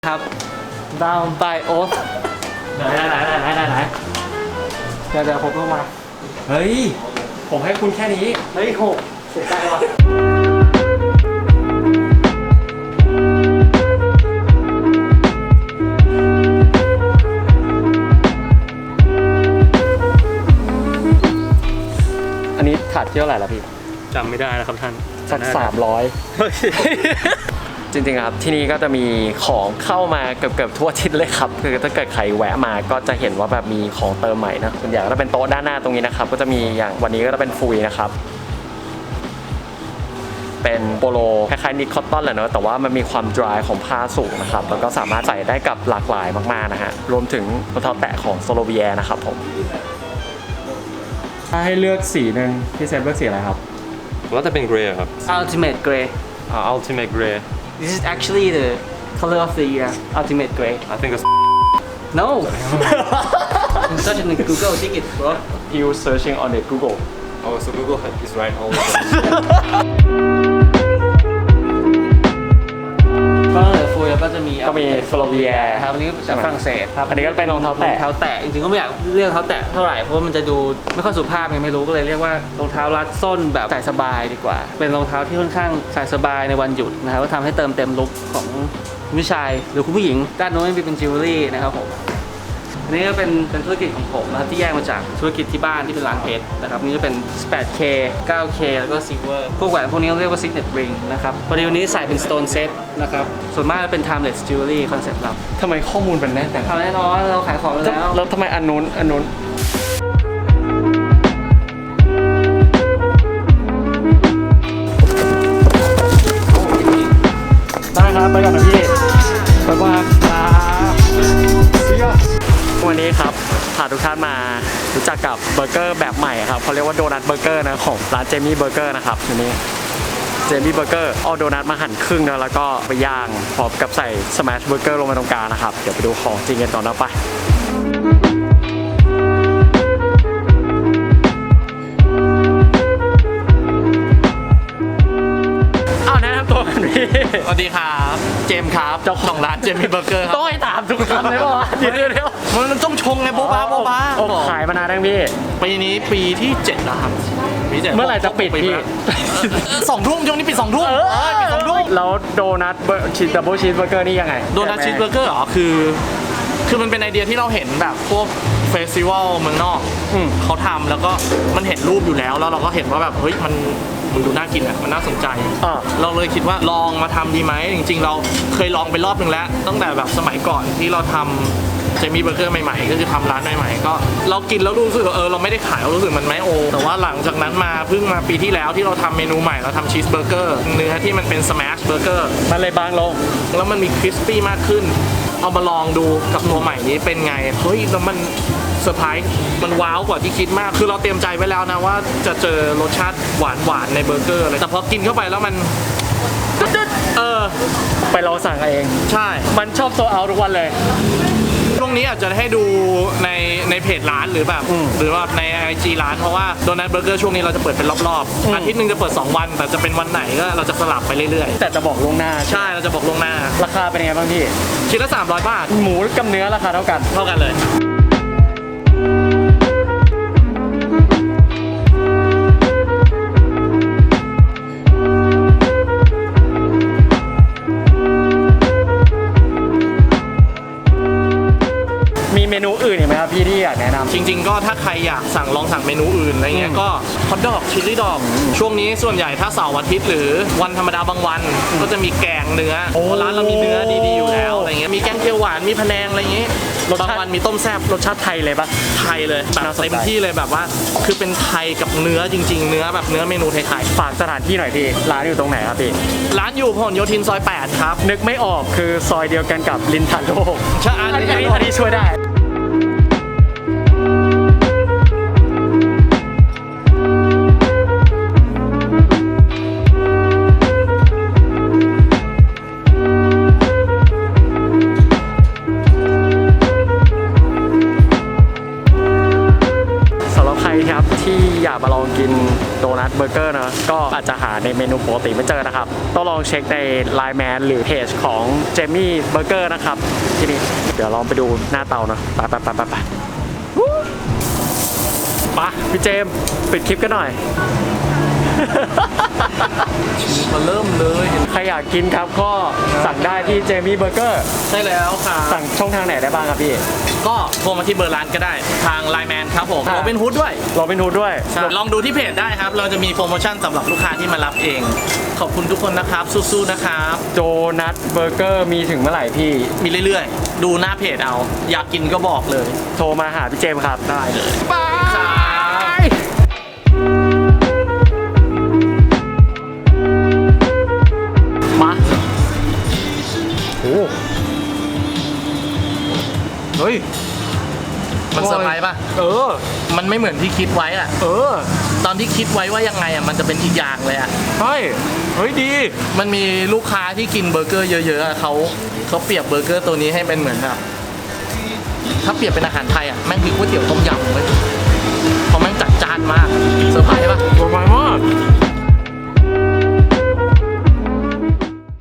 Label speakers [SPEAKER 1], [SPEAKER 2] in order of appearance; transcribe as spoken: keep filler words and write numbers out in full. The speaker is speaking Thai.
[SPEAKER 1] ครับดาวน์ไบโอสไหนไหนไหนไหนไหนไหนเดี๋ยวเดี๋ยวผมลงมาเฮ้ยผมให้คุณแค่นี้เฮ้ยหกเสียใจว่ะอันนี้ขาดเที่ยวไหร่ละพี่
[SPEAKER 2] จำไม่ได้แล้วครับท่าน
[SPEAKER 1] สักสามร้อยจริงๆครับที่นี่ก็จะมีของเข้ามาเกือบๆทั่วทิศเลยครับคือถ้าเกิดใครแวะมาก็จะเห็นว่าแบบมีของเติมใหม่นะส่วนใหญ่ก็จะเป็นโต๊ะด้านหน้าตรงนี้นะครับก็จะมีอย่างวันนี้ก็จะเป็นฟุยนะครับเป็นโปโลคล้ายๆนิคอตตอนแหละเนอะแต่ว่ามันมีความ dry ของผ้าสูงนะครับแล้วก็สามารถใส่ได้กับหลากหลายมากๆนะฮะรวมถึงรองเท้าแตะของโซโลเวียนะครับผมถ้าให้เลือกสีหนึ่งพี่เซฟเลือกสีอะไรครับ
[SPEAKER 2] ว่าจะเป็นเกรย์ครับ
[SPEAKER 3] Ultimate Grey
[SPEAKER 2] อ่า Ultimate Grey
[SPEAKER 3] This is actually the color of the year Ultimate Grey
[SPEAKER 2] I think it's
[SPEAKER 3] No Search in Google dig it bro
[SPEAKER 1] You searching on the Google
[SPEAKER 2] oh so Google is right all the time
[SPEAKER 3] ก็เลยฟูยก็จะมี
[SPEAKER 1] ก็มีโซโลเวีย
[SPEAKER 3] ครับอันนี้จากฝรั่งเศสครับ
[SPEAKER 1] อันนี้ก็เป็นรองเท้าแตะ
[SPEAKER 3] รองเท้าแตะจริงๆก็ไม่อยากเรียกรองเท้าแตะเท่าไหร่เพราะว่ามันจะดูไม่ค่อยสุภาพไงไม่รู้ก็เลยเรียกว่ารองเท้ารัดส้นแบบใส่สบายดีกว่าเป็นรองเท้าที่ค่อนข้างใส่สบายในวันหยุดนะครับก็ทำให้เติมเต็มลุคของคุณผู้ชายหรือคุณผู้หญิงด้านโน้นมีเป็นจิวเวลรี่นะครับผมอันนี้ก็เป็นเป็นธุรกิจของผมนะครับที่แยกมาจากธุรกิจที่บ้านที่เป็นร้านเพชรนะครับนี่จะเป็น แปดเค เก้าเค แล้วก็ Silver พวกแหวนพวกนี้เรียกว่า Signet Ring นะครับพอดีวันนี้ใส่เป็น Stone Set นะครับส่วนมากจะเป็น Timeless Jewelry คอนเซ็ปต์เรา
[SPEAKER 1] ทำไมข้อมูลเป็นแน่นแต่
[SPEAKER 3] ทำแน่นอนเราขายของแล้ว
[SPEAKER 1] แล้วทำไมอันนู้นอันนู้นได้ครับไปก่อนนะพี่ไปบ้างครับวันนี้ครับพาทุกท่านมารู้จักกับเบอร์เกอร์แบบใหม่ครับเขาเรียกว่าโดนัทเบอร์เกอร์นะของร้านเจมี่เบอร์เกอร์นะครับอันนี้เจมี่เบอร์เกอร์เอาโดนัทมาหั่นครึ่งนะแล้วก็ไปย่างพร้อมกับใส่สแมชเบอร์เกอร์ลงไปตรงกลางนะครับเดี๋ยวไปดูของจริงกันก่อนนะไป
[SPEAKER 4] สวัสดีครับเจมส์ครับเจ้าของร้านเจมี่เบอร์เกอร์ครับ
[SPEAKER 1] ต้องให้ถามทุกคำเลยป่ะเดี๋ยวเดี๋ยว
[SPEAKER 4] มันต้องชงไงโบ๊ะบ้าโบ๊ะบ้า
[SPEAKER 1] ขายมานานยังพี่
[SPEAKER 4] ปีนี้ปีที่เจ็ดแล้วครับ
[SPEAKER 1] เมื่อไหร่จะปิดพี่
[SPEAKER 4] สองทุ่มช่วงนี้ปิดสองทุ่มปิดสองทุ่ม
[SPEAKER 1] แล้วโดนัทชีสดับเบิลชีสเบอร์เกอร์นี่ยังไง
[SPEAKER 4] โดนัทชีสเบอร์เกอร์เหรอคือคือมันเป็นไอเดียที่เราเห็นแบบพวกเฟสติวัลเมืองนอกเขาทำแล้วก็มันเห็นรูปอยู่แล้วแล้วเราก็เห็นว่าแบบเฮ้ยมันมันดูน่ากินอ่ะมันน่าสนใจเราเลยคิดว่าลองมาทำดีไหมจริงๆเราเคยลองไปรอบนึงแล้วตั้งแต่แบบสมัยก่อนที่เราทำเจมี่เบอร์เกอร์ใหม่ๆก็คือทำร้านใหม่ๆก็เรากินแล้วรู้สึกเออเราไม่ได้ขายเรารู้สึกมันไม่โอแต่ว่าหลังจากนั้นมาเพิ่งมาปีที่แล้วที่เราทำเมนูใหม่เราทำชีสเบอร์เกอร์เนื้อที่มันเป็นสแมชเบอร์เกอร์
[SPEAKER 1] มันเลยบางลง
[SPEAKER 4] แล้วมันมีคริสปี้มากขึ้นเอามาลองดูกับตัวใหม่นี้เป็นไงเฮ้ยแล้วมันเซอร์ไพรส์มันว้าวกว่าที่คิดมากคือเราเตรียมใจไว้แล้วนะว่าจะเจอรสชาติหวานหวานในเบอร์เกอร์อะไรแต่พอกินเข้าไปแล้วมันเออ
[SPEAKER 1] ไปเราสั่งเอง
[SPEAKER 4] ใช่
[SPEAKER 1] มันชอบโซเอาทุกวันเลย
[SPEAKER 4] ช่วงนี้อาจจะให้ดูในในเพจร้านหรือแบบหรือว่าใน ไอ จี ร้านเพราะว่าโดนัทเบอร์เกอร์ช่วงนี้เราจะเปิดเป็นรอบๆอาทิตย์นึงจะเปิดสองวันแต่จะเป็นวันไหนก็เราจะสลับไปเรื่อย
[SPEAKER 1] ๆแต่จะบอกล่วงหน้า
[SPEAKER 4] ใช่เราจะบอกล่วงหน้า
[SPEAKER 1] ราคาเป็นยังไงบ้างพี่
[SPEAKER 4] ชิ้นละสามร้อยบาท
[SPEAKER 1] หมูกับเนื้อราคาเท่ากัน
[SPEAKER 4] เท่ากันเลย
[SPEAKER 1] เมนูอื่นอีกไหมครับพี่ที่อยากแนะนำ
[SPEAKER 4] จริงๆก็ถ้าใครอยากสั่งลองสั่งเมนูอื่นอะไรเงี้ยก็ฮอทดอกชิลลี่ดอกช่วงนี้ส่วนใหญ่ถ้าเสาร์อาทิตย์หรือวันธรรมดาบางวันก็จะมีแกงเนื้อร้านเรามีเนื้อดีๆอยู่แล้วอะไรเงี้ยมีแกงเขียวหวานมีพะแนงอะไรเงี้ยบางวันมีต้มแซ่บ
[SPEAKER 1] รสชาติไทยเลยปะ
[SPEAKER 4] ไทยเลยแบบเต็มที่เลยแบบว่าคือเป็นไทยกับเนื้อจริงๆเนื้อแบบเนื้อเมนูไทย
[SPEAKER 1] ๆฝากสถานที่หน่อยพี่ร้านอยู่ตรงไหนครับพี่
[SPEAKER 4] ร้านอยู่พหลโยธินซอยแปดครับ
[SPEAKER 1] นึกไม่ออกคือซอยเดียวกันกับลินทาโล
[SPEAKER 4] ใช่
[SPEAKER 1] อันนี้อันนี้ช่วยได้ที่อยากมาลองกินโดนัทเบอร์เกอร์นะก็อาจจะหาในเมนูปกติไม่เจอนะครับต้องลองเช็คใน ไลน์ แมน หรือเพจของเจมี่เบอร์เกอร์นะครับที่นี่เดี๋ยวลองไปดูหน้าเตานะไปไปไปไปไปปะพี่เจมส์ปิดคลิปกันหน่อย
[SPEAKER 4] มาเริ่มเลย
[SPEAKER 1] ใครอยากกินครับก็สั่งได้ที่เจมี่เบอร์เกอร์
[SPEAKER 4] ใช่แล้วค่ะ
[SPEAKER 1] สั่งช่องทางไหนได้บ้างครับพี่
[SPEAKER 4] ก็โทรมาที่เบอร์ร้านก็ได้ทาง ไลน์ แมน ครับผม
[SPEAKER 1] ครับ
[SPEAKER 4] โรบินฮูดด้วย
[SPEAKER 1] โรบินฮูดด้วย
[SPEAKER 4] ใช่ลองดูที่เพจได้ครับ เราจะมีโปรโมชั่นสำหรับลูกค้าที่มารับเอง ขอบคุณทุกคนนะครับ สู้ๆนะครับ
[SPEAKER 1] โดนัทเบอร์เกอร์มีถึงเมื่อไหร่พี่
[SPEAKER 4] มีเรื่อยๆ ดูหน้าเพจเอา อยากกินก็บอกเลย
[SPEAKER 1] โทรมาหาพี่เจมส์ครับ
[SPEAKER 4] ได้เลย
[SPEAKER 1] บาย
[SPEAKER 4] ครับ
[SPEAKER 1] มาโอ้
[SPEAKER 4] เฮ้ย มันเซอร์ไพรส์ป่ะ
[SPEAKER 1] เออ
[SPEAKER 4] มันไม่เหมือนที่คิดไว้อะ
[SPEAKER 1] เออ
[SPEAKER 4] ตอนที่คิดไว้ว่ายังไงอะมันจะเป็นอีกอย่างเลยอะ
[SPEAKER 1] ใช่เฮ้ยดี
[SPEAKER 4] มันมีลูกค้าที่กินเบอร์เกอร์เยอะๆอะเขาเขาเปรียบเบอร์เกอร์ตัวนี้ให้เป็นเหมือนแบบถ้าเปรียบเป็นอาหารไทยอะแม่งคือก๋วยเตี๋ยวต้มยำเลย